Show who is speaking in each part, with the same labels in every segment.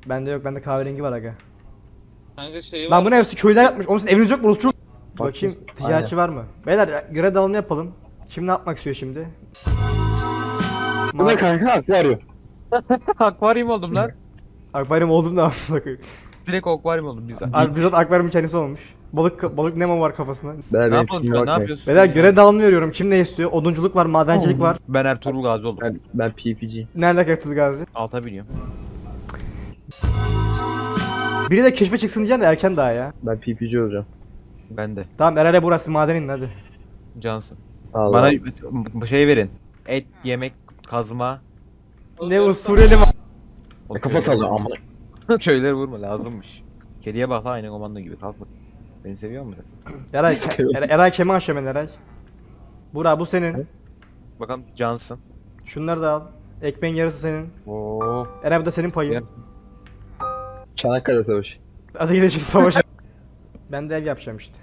Speaker 1: Bende yok, bende kahverengi var aga.
Speaker 2: Kanka şey
Speaker 1: Lan
Speaker 2: var.
Speaker 1: bu ne, köyler yapmış. Oğlum sizin eviniz yok mu? Orası çok...
Speaker 3: Bak,
Speaker 1: Bakayım
Speaker 3: aynen.
Speaker 1: ticaretçi var mı? Beyler görev dağılımı yapalım. Kim ne yapmak istiyor şimdi?
Speaker 3: Bu ne kanka? Akvaryum.
Speaker 4: Akvaryum oldum lan.
Speaker 1: Akvaryum oldum da amına koyayım.
Speaker 4: Direkt akvaryum oldum biz.
Speaker 1: Abi bizzat akvaryumun kendisi olmuş. Balık Nemo var kafasında.
Speaker 3: Ben
Speaker 4: Ne yapalım şu an? Ne yapıyorsun?
Speaker 1: Beyler görev dağılımı veriyorum. Kim ne istiyor? Odunculuk var, madencilik var.
Speaker 4: Ben Ertuğrul Gazi oldum.
Speaker 3: Ben PPG.
Speaker 1: Ne alaka Ertuğrul Gazi?
Speaker 4: Alta biniyorum.
Speaker 1: Biri de keşfe çıksın diyeceğim de erken daha ya.
Speaker 3: Ben PPG olacağım.
Speaker 4: Ben de.
Speaker 1: Tamam Eray'la burası maden inin hadi.
Speaker 4: Cansın.
Speaker 3: Allah.
Speaker 4: Bana şey verin. Et, yemek, kazma.
Speaker 1: Ne usuleli ma...
Speaker 3: Kafa sallıyor ama.
Speaker 4: Köyleri vurma lazımmış. Kediye bak la aynı komando gibi kalkma. Beni seviyor musun?
Speaker 1: Eray, Eray keman aşağı Eray. Burak bu senin.
Speaker 4: Bakalım Cansın.
Speaker 1: Şunları da al. Ekmeğin yarısı senin.
Speaker 4: Oo.
Speaker 1: Eray bu da senin payın.
Speaker 4: Yer.
Speaker 3: Çanakkale Savaşı.
Speaker 1: Hadi gidelim şimdi savaşa. Ben de ev yapacağım işte.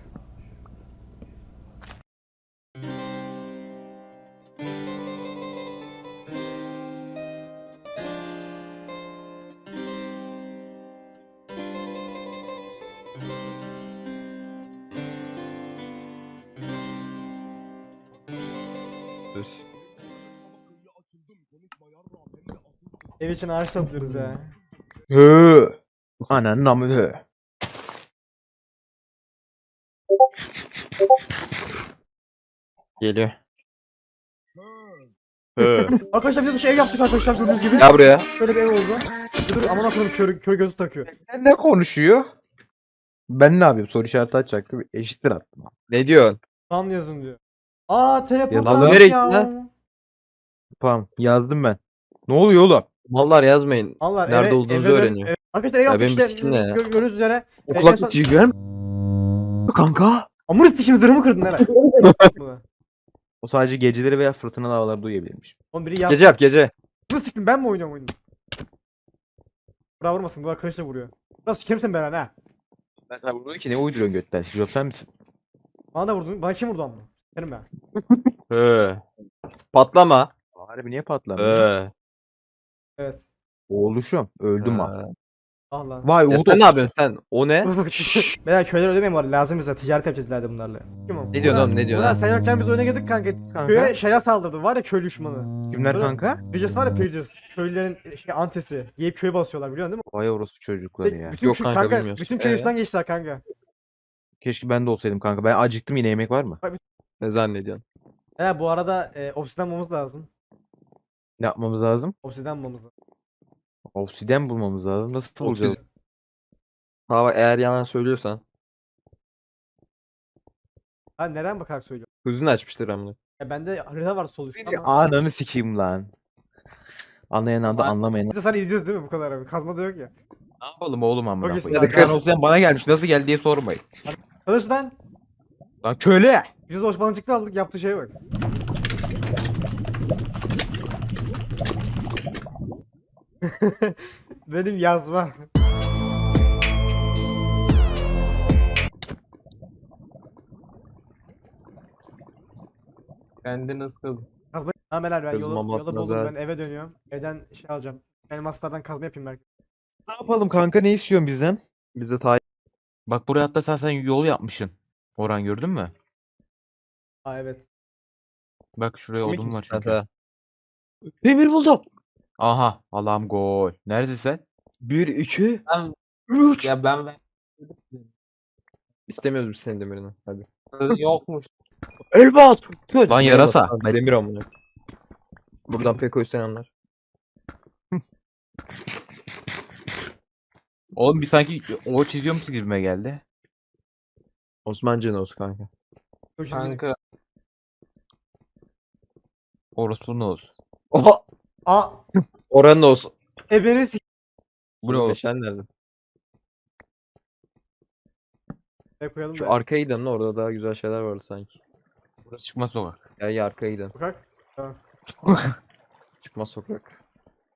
Speaker 4: Dur.
Speaker 1: Ev için ağaç topluyoruz ya.
Speaker 4: Hı. Ananın amı hı.
Speaker 3: Geliyor.
Speaker 1: Arkadaşlar biz de şey ev yaptık arkadaşlar gördüğünüz gibi.
Speaker 3: Ya buraya.
Speaker 1: Şöyle bir ev oldu. Dur aman akıllım kör gözü takıyor.
Speaker 4: Ne konuşuyor? Ben ne yapayım? Soru işareti açacaktım. Eşittir attım.
Speaker 3: Ne diyorsun?
Speaker 1: Tam yazın diyor. Aa teleport
Speaker 4: Yazalım.
Speaker 1: var
Speaker 3: Nereye
Speaker 1: ya.
Speaker 3: gitti lan?
Speaker 4: Tamam yazdım ben. Ne oluyor oğlum?
Speaker 3: Mallar yazmayın.
Speaker 1: Allah
Speaker 3: Nerede olduğunuzu öğreniyor.
Speaker 1: Arkadaşlar ev
Speaker 3: Ya
Speaker 1: yaptık
Speaker 3: benim
Speaker 1: işte.
Speaker 3: sikim ne ya?
Speaker 1: Gördüğünüz üzere.
Speaker 3: O
Speaker 1: en son-
Speaker 3: kulaklık görüyor musun? Kanka.
Speaker 1: Amur istişimi zırhımı kırdın Eray.
Speaker 4: O sadece geceleri veya fırtınalı havalarda duyabilirmiş.
Speaker 1: Oğlum biri
Speaker 3: Gece yap gece.
Speaker 1: Nasıl siktim ben mi oynuyorum oyunu? Burak vurmasın, Burak kılıçla vuruyor. Nasıl sikerim sen ben ha?
Speaker 4: Ben sana vurdum ki ne uyduruyorsun götten? Şizot sen misin?
Speaker 1: Bana da vurdun. Bana kim vurdu amma? Sikerim ben.
Speaker 3: Patlama.
Speaker 4: Harbi niye patlamıyor?
Speaker 1: Evet.
Speaker 4: Oğluşum. Öldüm ha.
Speaker 1: Ah lan.
Speaker 4: Vay
Speaker 3: Ya
Speaker 4: Uğur.
Speaker 3: sen ne yapıyorsun sen? O ne?
Speaker 1: Beyler köyler ödemeyin var. Lazım bize. Ticaret yapacağız ileride bunlarla. Kim o?
Speaker 3: Ne diyorsun oğlum, ne diyorsun
Speaker 1: Burak
Speaker 3: ha?
Speaker 1: sen yokken biz oyuna girdik kanka.
Speaker 4: Kanka.
Speaker 1: Köye şeyler saldırdı. Var ya köylü düşmanı.
Speaker 4: Kimler
Speaker 1: Sonra-
Speaker 4: kanka?
Speaker 1: Pillagers var ya Pillagers. Köylülerin antesi. Yiyip köye basıyorlar biliyorsun değil mi?
Speaker 4: Vay orospu çocukları ya.
Speaker 1: Bütün
Speaker 3: Yok
Speaker 1: köy-
Speaker 3: kanka, bilmiyoruz.
Speaker 1: bütün köy üstünden geçtiler kanka.
Speaker 4: Keşke ben de olsaydım kanka. Ben acıktım, yine yemek var mı?
Speaker 3: Ne zannediyorsun?
Speaker 1: He bu arada obsidian bulmamız lazım.
Speaker 4: Ne yapmamız lazım?
Speaker 1: Obsidian bulmamız lazım.
Speaker 4: Obsiden bulmamız lazım. Nasıl bulacağız?
Speaker 3: Ha bak, eğer yalan söylüyorsan.
Speaker 1: Ha neden bakarak söylüyorum?
Speaker 3: Gözünü açmıştır amına.
Speaker 1: Ya bende harita var sol üstte ama.
Speaker 4: Ananı sikeyim lan. Anlayan anda anlamayan.
Speaker 1: Biz de sana izliyoruz değil mi bu kadar abi? Kazma da yok ya.
Speaker 4: Ne yapalım oğlum amına
Speaker 1: Çok iyisin
Speaker 4: koyayım.
Speaker 1: kanka.
Speaker 4: Ben obsiden bana gelmiş. Nasıl geldi diye sormayın.
Speaker 1: Kılıçtan
Speaker 4: Lan köle.
Speaker 1: biz de Osmanlıcıkta aldık yaptığı şeye bak. Benim yazma.
Speaker 3: Kendini kıl.
Speaker 1: Kazma. Tamam helal ben
Speaker 3: Kızma
Speaker 1: yola
Speaker 3: matmaz
Speaker 1: buldum
Speaker 3: ha.
Speaker 1: ben eve dönüyorum. Evden şey alacağım. Elmaslardan kazma yapayım belki.
Speaker 4: Ne yapalım kanka, ne istiyorsun bizden?
Speaker 3: Bize tayin.
Speaker 4: Bak buraya hatta sen yol yapmışsın. Orhan gördün mü?
Speaker 1: Aa evet.
Speaker 4: Bak şuraya odun var çünkü.
Speaker 3: Demir buldum.
Speaker 4: Aha Allah'ım gol. Neredesin sen?
Speaker 3: 1, 2,
Speaker 5: Ben
Speaker 3: 3.
Speaker 5: ya ben
Speaker 3: İstemiyoruz biz senin demirini. Hadi.
Speaker 5: yokmuş.
Speaker 3: Elbat.
Speaker 4: Lan yarasa.
Speaker 3: Demir amına. Buradan Peko'yu sen anlar.
Speaker 4: Oğlum bir sanki o çiziyormuş gibime geldi.
Speaker 3: Osman Cenos kanka.
Speaker 5: Kanka
Speaker 4: Orospu ne olsun.
Speaker 3: Oha.
Speaker 1: Aa
Speaker 3: Oranın olsun.
Speaker 1: ebeni s***
Speaker 4: Bu ne oğlum?
Speaker 3: Meşen nerede?
Speaker 1: koyalım
Speaker 3: Şu
Speaker 1: da.
Speaker 3: arkaya gidelim, orada daha güzel şeyler vardı sanki.
Speaker 4: Burası çıkmaz sokak.
Speaker 3: Ya arkaya gidelim.
Speaker 1: Sokak.
Speaker 3: Çıkmaz sokak.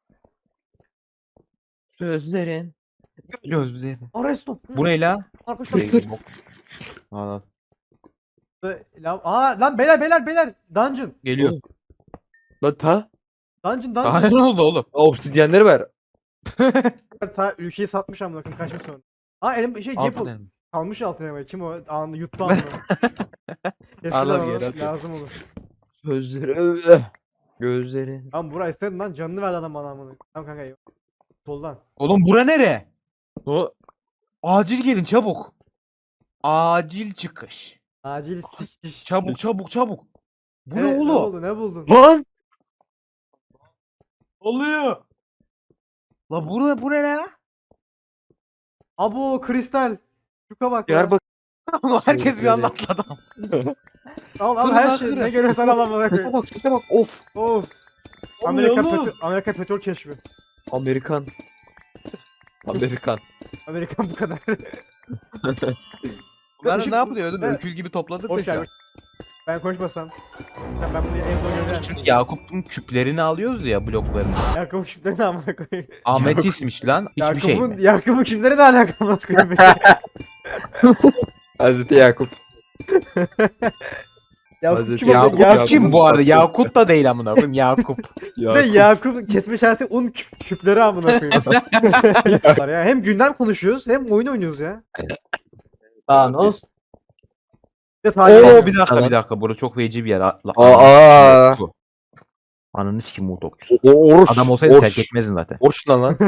Speaker 3: Sözlerin.
Speaker 4: Göz bize.
Speaker 1: Aresto.
Speaker 4: Bu ne la?
Speaker 1: Arkadaşlar.
Speaker 4: Aa,
Speaker 1: Aa lan beyler. Dungeon.
Speaker 4: geliyor.
Speaker 3: Lan ta.
Speaker 1: Dungeon.
Speaker 4: Daha ne oldu oğlum?
Speaker 3: Obsidyenleri ver.
Speaker 1: Ta ülkeyi satmış amına koyayım kaçmış sonra. Aa elim şey
Speaker 4: Altın
Speaker 1: Gapple.
Speaker 4: elma.
Speaker 1: Kalmış altına bak. Kim o? Anında yuttu altına. Kesin
Speaker 4: Allah
Speaker 1: lan
Speaker 4: bir
Speaker 1: oğlum,
Speaker 4: yere atıyor.
Speaker 1: lazım olur.
Speaker 3: Gözleri. Gözleri.
Speaker 1: Lan Burak istedin lan canını verdi adam bana amına. Tamam kanka eyvallah. Soldan.
Speaker 4: Oğlum bura nere?
Speaker 3: O
Speaker 4: Acil gelin çabuk. Acil çıkış.
Speaker 1: Acil sikiş.
Speaker 4: Çabuk çabuk çabuk. Bu ne
Speaker 1: Ne
Speaker 4: oğlum?
Speaker 1: oldu ne buldun?
Speaker 3: lan.
Speaker 5: Oluyor.
Speaker 4: La bu ne la?
Speaker 1: Abo kristal. Şuka bak.
Speaker 3: Yer
Speaker 1: Lan.
Speaker 3: bak.
Speaker 4: Herkes bir anda atladı.
Speaker 1: Al al
Speaker 4: Kırın
Speaker 1: her
Speaker 4: lan,
Speaker 1: şey.
Speaker 4: kırın.
Speaker 1: Ne görüyorsan al amına
Speaker 3: Sese
Speaker 1: koyayım.
Speaker 3: bak sese bak. Of.
Speaker 1: Of.
Speaker 5: Oluyor oğlum.
Speaker 1: Amerika petrol keşfi.
Speaker 3: Amerikan. Amerikan.
Speaker 1: Amerikan bu kadar.
Speaker 4: Bunlar ne yapıyor? Öyle
Speaker 1: Ben-
Speaker 4: öküz gibi topladık da
Speaker 1: Hoş
Speaker 4: şu an.
Speaker 1: geldin. Ben konuşmasam. Ben bunu en son gönderdim.
Speaker 4: Şimdi Yakup'un küplerini alıyoruz ya bloklarını.
Speaker 1: Yakup'un kimleri ne amına koyayım.
Speaker 4: Ametistmiş lan. Hiçbir şey mi?
Speaker 1: Yakup'un kimleri ne alaka amına koyayım.
Speaker 3: Hazreti Yakup.
Speaker 1: Yakup
Speaker 3: Hazreti
Speaker 1: kim oldu?
Speaker 3: Yakup,
Speaker 1: Yakup
Speaker 4: Yakup'cim bu arada Yakut da değil amına koyayım Yakup.
Speaker 1: de Yakup kesme işareti un küpleri amına koyayım. Ya hem gündem konuşuyoruz hem oyun oynuyoruz ya.
Speaker 5: Thanos.
Speaker 1: Bir de tarih
Speaker 4: Oo
Speaker 1: ediyoruz.
Speaker 4: bir dakika burası çok feci bir yer.
Speaker 3: Aa.
Speaker 4: Ananı sikim bu topçusu.
Speaker 3: Oruç.
Speaker 4: Adam olsaydı terk etmezdin zaten.
Speaker 3: Oruç lan.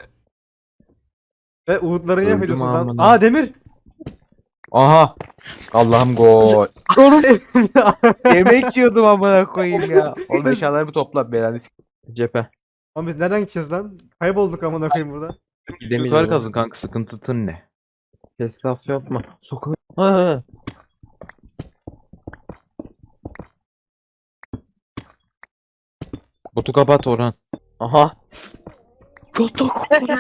Speaker 1: Ve Uğutları niye
Speaker 3: Öldüm
Speaker 1: yapıyorsun lan?
Speaker 3: amına.
Speaker 1: Aa Demir.
Speaker 4: Aha. Allah'ım gol. Yemek yiyordum amına koyayım ya. Oğlum eşyalarımı topla belanı
Speaker 3: Cephe.
Speaker 1: Ama biz nereden gideceğiz lan? Kaybolduk amına koyayım burada.
Speaker 4: Yukarı kazın kanka sıkıntın ne?
Speaker 3: Kes laf yapma. Sokağa. Ha.
Speaker 4: Botu kapat Orhan.
Speaker 3: Aha. Kotok.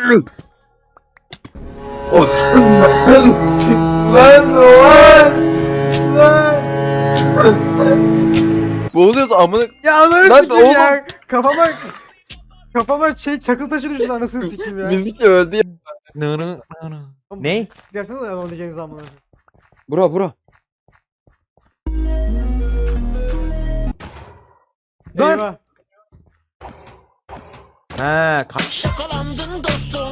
Speaker 3: Boğuluyoruz amına.
Speaker 1: Ya ananı
Speaker 3: Lan
Speaker 1: sikeyim
Speaker 3: oğlum.
Speaker 1: ya. Kafama şey çakıl taşı düştü anasını sikeyim ya.
Speaker 3: Müzikle öldü ya.
Speaker 4: Ne?
Speaker 1: Dersene de onu diyeceğiniz amına koyayım.
Speaker 3: Bura.
Speaker 4: Lan!
Speaker 1: Eyvah.
Speaker 4: Ha,
Speaker 6: Şakalandın dostum